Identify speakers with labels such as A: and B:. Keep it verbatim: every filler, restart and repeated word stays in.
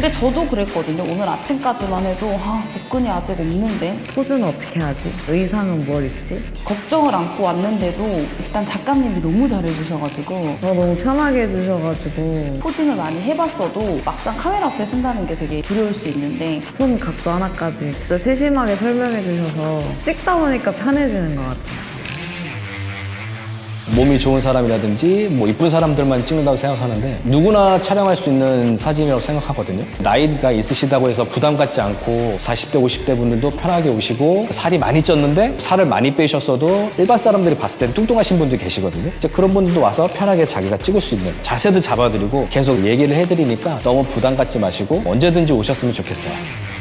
A: 근데 저도 그랬거든요. 오늘 아침까지만 해도 아, 복근이 아직 없는데
B: 포즈는 어떻게 하지? 의상은 뭘 입지?
A: 걱정을 안고 왔는데도 일단 작가님이 너무 잘해주셔가지고
B: 어, 너무 편하게 해주셔가지고
A: 포징을 많이 해봤어도 막상 카메라 앞에 쓴다는 게 되게 두려울 수 있는데
B: 손 각도 하나까지 진짜 세심하게 설명해 주셔서 찍다 보니까 편해지는 것 같아요.
C: 몸이 좋은 사람이라든지 뭐 이쁜 사람들만 찍는다고 생각하는데 누구나 촬영할 수 있는 사진이라고 생각하거든요. 나이가 있으시다고 해서 부담 갖지 않고 사십 대, 오십 대 분들도 편하게 오시고 살이 많이 쪘는데 살을 많이 빼셨어도 일반 사람들이 봤을 때 뚱뚱하신 분들이 계시거든요. 이제 그런 분들도 와서 편하게 자기가 찍을 수 있는 자세도 잡아드리고 계속 얘기를 해드리니까 너무 부담 갖지 마시고 언제든지 오셨으면 좋겠어요.